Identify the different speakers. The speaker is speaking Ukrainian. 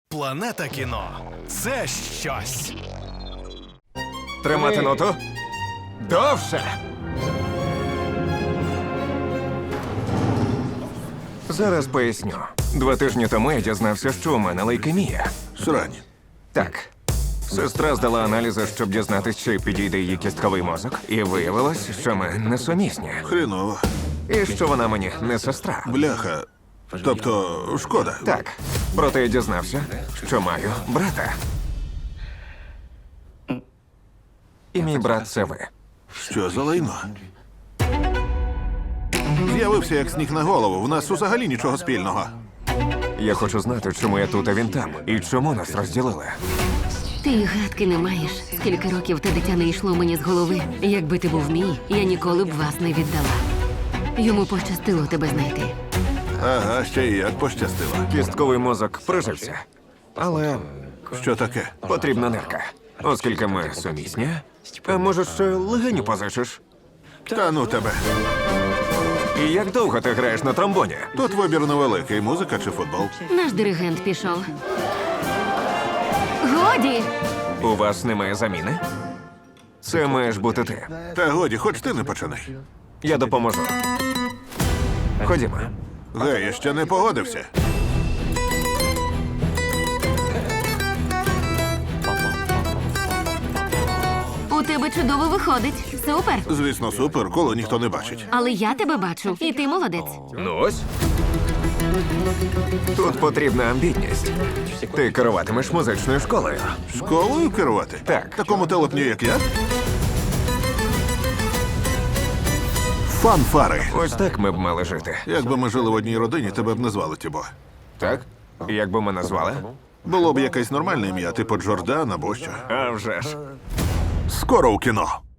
Speaker 1: Планета кіно – це щось.
Speaker 2: Тримати ноту. Довше. Зараз поясню. 2 тижні тому я дізнався, що у мене лейкемія.
Speaker 3: Срань.
Speaker 2: Так. Сестра здала аналізи, щоб дізнатись, чи підійде її кістковий мозок. І виявилось, що ми несумісні.
Speaker 3: Хреново.
Speaker 2: І що вона мені не сестра.
Speaker 3: Бляха. Тобто, шкода.
Speaker 2: Так. Проте я дізнався, що маю брата. І мій брат – це ви.
Speaker 3: Що за лайно? З'явився як сніг на голову. В нас взагалі нічого спільного.
Speaker 2: Я хочу знати, чому я тут, а він там. І чому нас розділили.
Speaker 4: Ти й гадки не маєш. Скільки років те дитя не йшло мені з голови. Якби ти був мій, я ніколи б вас не віддала. Йому пощастило тебе знайти.
Speaker 3: Ага, ще й як пощастило.
Speaker 2: Кістковий мозок прижився. Але
Speaker 3: Що таке?
Speaker 2: потрібна нирка. Оскільки ми сумісні, а може, ще легеню позичиш?
Speaker 3: Та ну тебе.
Speaker 2: І як довго ти граєш на тромбоні?
Speaker 3: Тут вибір невеликий. Музика чи футбол?
Speaker 4: Наш диригент пішов. Годі!
Speaker 2: У вас немає заміни? Це маєш бути ти.
Speaker 3: Та годі, хоч ти не починай.
Speaker 2: Я допоможу. Ходімо.
Speaker 3: Гей, я ще не погодився.
Speaker 4: У тебе чудово виходить. Супер!
Speaker 3: Звісно, супер, коло ніхто не бачить.
Speaker 4: Але я тебе бачу, і ти молодець.
Speaker 2: Ну ось. Тут потрібна амбітність. Ти керуватимеш музичною школою.
Speaker 3: Школою керувати?
Speaker 2: Так.
Speaker 3: Такому телепню, як я? Фанфари.
Speaker 2: Ось так ми б мали жити.
Speaker 3: Якби ми жили в одній родині, тебе б не звали Тібо.
Speaker 2: Так? Як би мене звали?
Speaker 3: Було б якесь нормальне ім'я, типу Джордан або що.
Speaker 2: А вже ж.
Speaker 3: Скоро у кіно.